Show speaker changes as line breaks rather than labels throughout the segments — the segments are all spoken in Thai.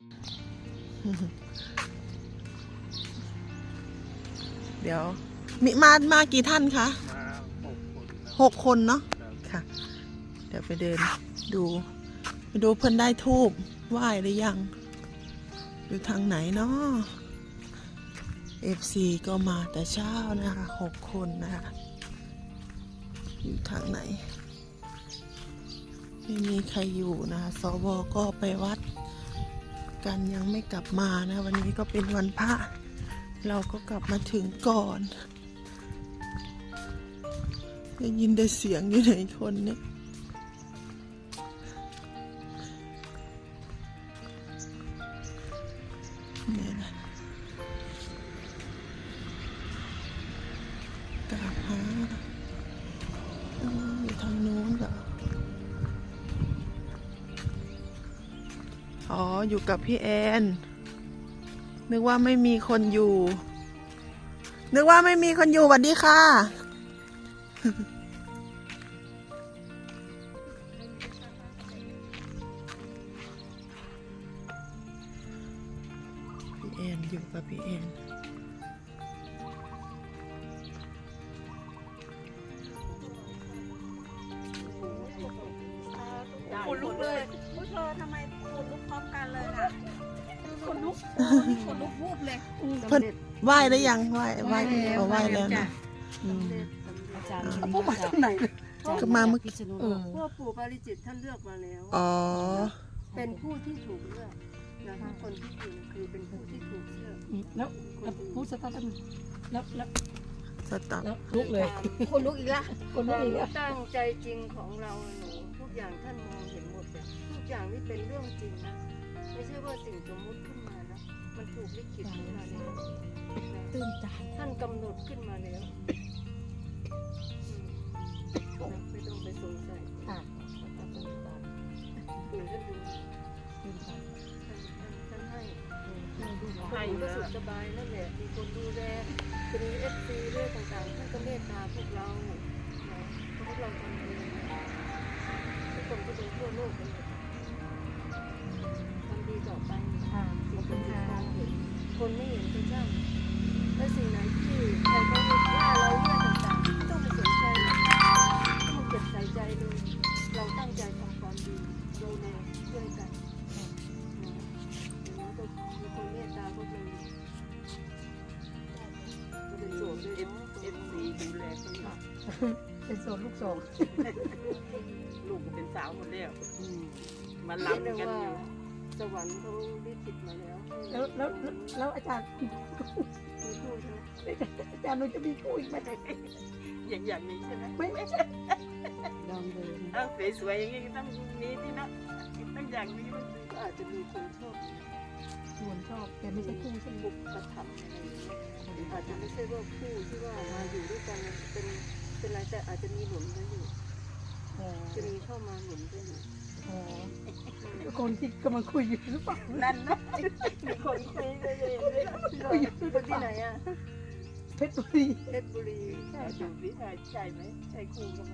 เดี๋ยวมีมากี่ท่านคะ
มา
6 คนเนาะค่ะ เดี๋ยวไปเดินดูไปดูเพิ่นได้ทูบไหว้หรือยังอยู่ทางไหนเนาะ FC ก็มาแต่เช้านะคะ6 คนนะคะอยู่ทางไหนไม่มีใครอยู่นะคะสวก็ไปวัดกันยังไม่กลับมานะวันนี้ก็เป็นวันพระเราก็กลับมาถึงก่อนได้ยินได้เสียงอยู่ไหนคนเนี่ยเนี่ยนะกราบหาอยู่ทางโน้นเหรออ๋ออยู่กับพี่แอนนึกว่าไม่มีคนอยู่สวัสดีค่ะพี่แอนอยู่กับพี่แอน
ขนลุกเลยพวกเธอทำไมขนลุกพร้อมกันเลยน่ะขนลุกวูบเลย
เพิ่นไหว้ได้ยังไหว้แล้วนะ
อาจารย์พวกมาจากไหน
ก็มาเมื่อกี้
พวกปู่ปาริจิตท่านเลือกมาแล้ว
อ๋อ
เป็นผู้ที่ถูกเลือกนะคะคนที่อยู่คือเป็นผู้ที่ถูกเลือก
แล้วพูดสตาร์ทแล้ว
สตับ
ลุกเลย
คนลุกอีกละ
คนลุกอีกแล้ว
ตั้งใจจริงของเราหนูทุกอย่างท่านมองเห็นหมดเลยทุกอย่างนี่เป็นเรื่องจริงนะไม่ใช่ว่าสิ่งสมมุติขึ้นมานะมันถูกลิขิตขึ้นมาแล้ว
ตื่นใจ
ท่านกำหนดขึ้นมาแล้วไม่ต้องไปสงสัย
ค่ะ
ปู่ท่านดู
ตื่นใจ
ท่านให้
ให้
คนก็สุขสบายนั่นแหละมีคนดูแลมีFC เรื่องต่างๆท่านก็เมตตาพวกเราพวกเราทำเองทุกคนก็เป็นทั่วโลกเลยทำดีต่อไป
ค่ะข
สิ่
อบ
ง
คุณ
ที่
ค่ะ
มองเห็นคนไม่เห็นก็ช่างและสิ่งไหนที่ใครเขาว่าเราเรื่องต่างๆไม่ต้องไปสนใจไม่ต้องเก็บใส่ใจเลยเราตั้งใจทำความดีดูแลช่วยกันอย่างน้อยก็มีคนเมตตาพวกเราก็เป็นส่วนด้วยเนาะ
FC ดูแลตลอด
เป็นโซนลูกสอง
ลูกก็เป็นสาวหมดแล้วมา
เรียก
ลำ
ได้
กัน
ว่า
อยู่
สวรรค์เขาลิขิตมาแล้ว
แล้วอาจารย์
มีผู้ใช่ไหม
อาจารย์หนูจะมีคู่อีกไหม
อย่างนี้ใช่ไหม
ไม่ใช่ลองดู
เอ้าสวยๆอย่างนี้ต้องมีที่นะต้องอย่างนี้มัน
ก็อาจจะมีคนชอบ
ส่วนชอบแต่ไม่ใช่คู่ใช่ไหม
บุกกระทำอะไรอย่างเงี้ยอาจจะไม่ใช่ว่าคู่ที่ว่ามาอยู่ด้วยกันเป็นอะไรแต่อาจจะมีหนุนกันอยู่
อ๋อ
จะมีเข้ามาหนุนกันอยู่
อ๋อคนที่กำลังคุยอยู่หรือเปล่า
นั่นนะมีคนคุยเลยเลย
คุยอยู่หรือ
ค
เป
นที่
ล่า
ไหนอ่ะ
เพชรบุรี
เพชรบุรี
ดูสิใช่ไหมใช่คู่กันไหม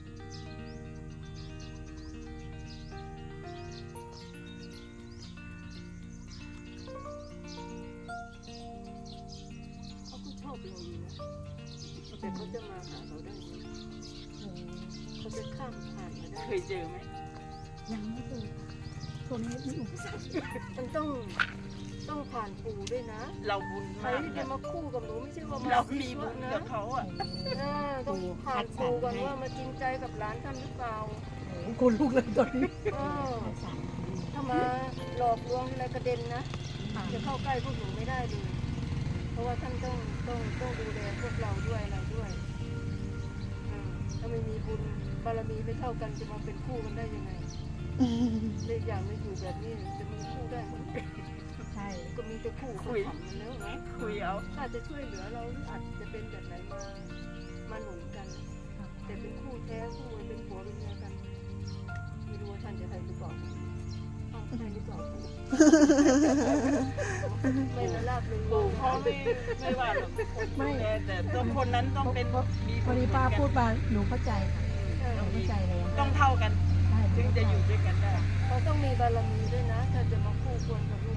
เขาก็ชอบเราอยู่นะแต่เขาจะมาหาเราได้ไหมเขาจะข้ามผ่านมาได้
เคยเจอไหม
ยังไม่เคยคนนี้มีอุปสรรค
มันต้องผ่านปู่ด้วยนะ
เราบุญ
ใคร
มาก
ที่จะมาคู่กับหนูไม่ใช่ว่ามา
เรามีบุญกับเขาอ่ะ
ต้องผ่านปู่ก่อนว่ามาจริงใจกับหลานท่านหรือเปล่า
คนลูกเลยตอนนี้
ถ้ามาหลอกลวงอะไรกระเด็นนะจะเข้าใกล้พวกหนูไม่ได้เลยเพราะว่าท่านต้องดูแลพวกเราด้วยอะไรด้วยถ้าไม่มีบุญบารมีไม่เท่ากันจะมาเป็นคู่กันได้ยังไงเรื่องอย่างไม่อยู่แบบนี้จะมีคู่ได้ไหม
ใช่
ก็มีแต่คู่เขาทำมันแล้วนะ
คุยเอา
อาจจะช่วยเหลือเราหรืออาจจะเป็นแบบไหนมาหนุนกัน แต่เป็นคู่แท้คู่เป็นผัวเป็นเมียกันไม่รู้ว่าท่านจะให้หรือเปล่าให้หรือเปล่าไม่ละลาบเลย
ปู่เขาไม่ว่าหรอกคนดูแลแต่ต้องคนนั้นต้องเป็นมี
พอดีป้าพูดมาหนูเข้าใจค่ะหนูเข้าใจแล้ว
ต้องเท่ากัน
ใช่
ถึงจะอยู่ด้วยกันได้
เขาต้องมีบารมีด้วยนะถ้าจะมาคู่ควรกับลูก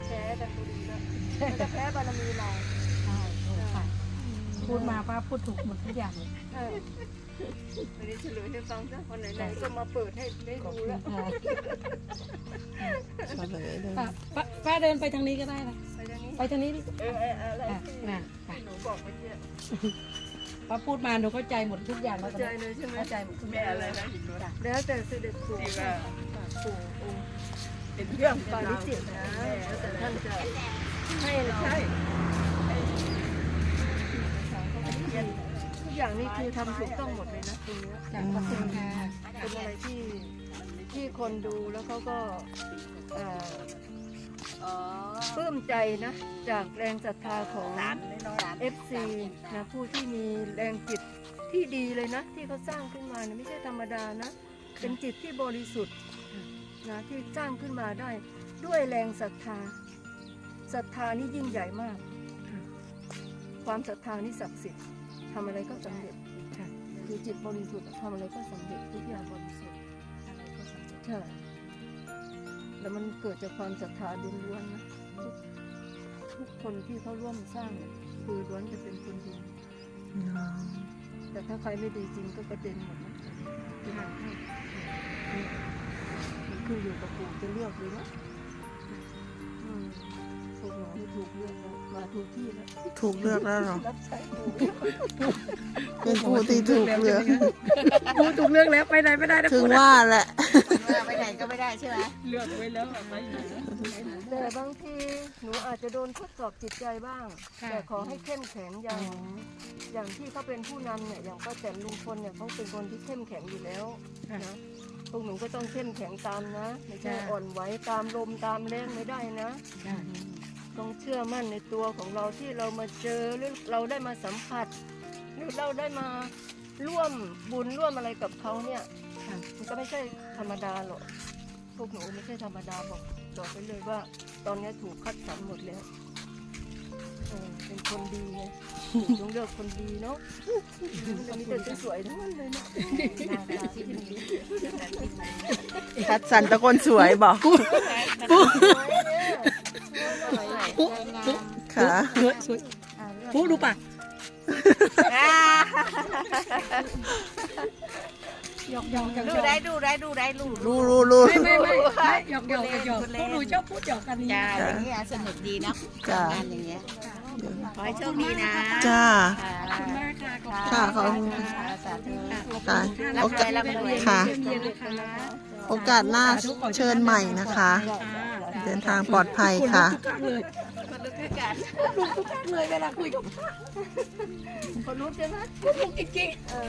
แพ้กันก็ดีแล้วมันจะแพ้บารมีเรา
ใช่ค่ะพูดมาป้าพูดถูกหมดทุกอย่างเลย
เออวันนี้เฉลยให้ฟังซะวันไหนๆก็มาเปิดให้ได้ดูแล้ว
เฉลยเลย
ป้าเดินไปทางนี้ก็ได้นะ
ไปทางนี้
ไปทางนี้ดิ
อะไรที่
น่ะ
หนูบอกเมื่อกี้
ป้าพูดมาหนูเข้าใจหมดทุกอย่าง
เข้าใจเลยใช่ไหม
เข้าใจหมดทุกอ
แม่
ย่าง
อะไรนะหินรถ
แล้วแต่เสด็จปู่
ที่ว่า
ปู่องค์
เป็นเรื่อง
ปาริจิตนะแล้วแต่ท่านจะให้เรา
ใช่
ทุกอย่างนี่คือทำถูกต้องหมดเลยนะตรงเนี้ย
จากขอบคุณค่ะ
เป็นอะไรที่คนดูแล้วเขาก็เอ่อปลื้มใจนะ จากแรงศรัทธาของ FC นะผู้ที่มีแรงจิตที่ดีเลยนะ ที่เขาสร้างขึ้นมาเนี่ยไม่ใช่ธรรมดานะ เป็นจิตที่บริสุทธิ์นะที่สร้างขึ้นมาได้ ด้วยแรงศรัทธาศรัทธานี่ยิ่งใหญ่มาก ความศรัทธานี่ศักดิ์สิทธิ์ทำอะไรก็สำเร็จคือจิตบริสุทธิ์ทำอะไรก็สำเร็จทุกอย่างบริสุทธิ์ใช่แล้วมันเกิดจากความศรัทธาล้วนๆนะทุกคนที่เขาร่วมสร้างเนี่ยคือล้วนจะเป็นคนดี แต่ถ้าใครไม่ดีจริงก็กระเด็นหมดนะมันคืออยู่กับปู่จะเลือกเลยนะพวกหนูไม่ถูกเลือกแล้วมาถูกที่แล้ว
ถูกเลือกแล้วเหรอ
รับใช้ปู่
เป็นผู้ที่ถูกเลือก
พูดถูกเรื่องแล้วไปไหนไม่ได้นะ
ถึงว่าแหละ
ไปไหนก็ไม่ได้ใช่ไหม
เลือกไว้แล้วไปไหน
แต่บางทีหนูอาจจะโดนทดสอบจิตใจบ้าง แต่ขอให้เข้มแข็งอย่างที่เขาเป็นผู้นำเนี่ยอย่างป้าแตนลุงพลเนี่ยเขาเป็นคนที่เข้มแข็งอยู่แล้วนะพวกหนูก็ต้องเข้มแข็งตามนะไม่ใช่อ่อนไหวตามลมตามแรงไม่ได้นะ ต้องเชื่อมั่นในตัวของเราที่เรามาเจอหรือเราได้มาสัมผัสหรือเราได้มาร่วมบุญร่วมอะไรกับเขาเนี่ยมันก็ไม่ใช่ธรรมดาหรอกพวกหนูไม่ใช่ธรรมดาบอกไปเลยว่า ตอนนี้ถูกคัดสรรหมดแล้วเป็นคนดีไงต้องเลือกคนดีเนาะวันนี้แต่สวยๆทั้งนั้นเลยนะที่ดี
คัดสรรตะคนสวยบอกค่ะ
สวยพูดดูป่ะหยอก
ดูได้ลูก
รู้
ไม่หยอกพวกหนูชอบพูดหยอกกันนี่
จ้าอย่างเงี้ยสนุกดีเนาะ
จ้า
งานอย่างเงี้ยขอให้โชคดีนะ
จ้า
ขอบคุณมากค่ะ
ค่ะขอบคุณ
สาธุ
ค่ะ
รั
โอบ
ใคร
กาส
รับรวย
ค่ะ
เย็นๆนะคะ
โอกาสหน้าเชิญใหม่นะคะ เดินทางปลอดภัยค่ะ
ทุกครั้งเลย
คนลุกขึ้นกัน
ลุกทุกครั้งเลยเวลาคุยกับ
คนรู้ใช่ไหม
ลุกจริง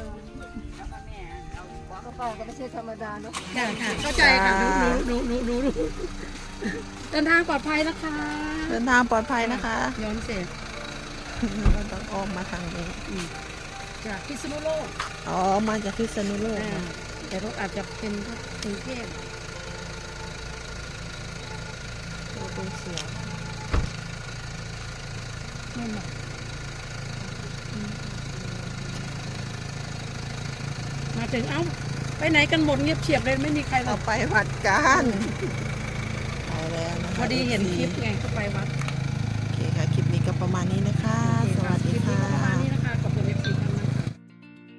กระเป๋าก็ไม่ใช่ธรรมดาเนาะ
ๆค่ะเข้าใจค่ะรู้เดินทางปลอดภัยนะคะ
เดินทางปลอดภัยนะคะ
ย้อนเสร็จ
เราต้องอ้อมมาทางนี้
จากพิษณุโลก
อ๋อ มาจากพิษณุโลกนะ
แต่รถอาจจะเป็นกรุงเทพ
เราเป็นเสียง
ไม่หมดมาถึงเอ้าไปไหนกันหมดเงียบเฉียบเลยไม่มีใครหร
เรา
อก
ไปวัดกันไปแล้วนะคะ
พอดีเห็นคลิปไงก็ไปวัด
โอเคค่ะ คลิปนี้ก็ประมาณนี้นะคะ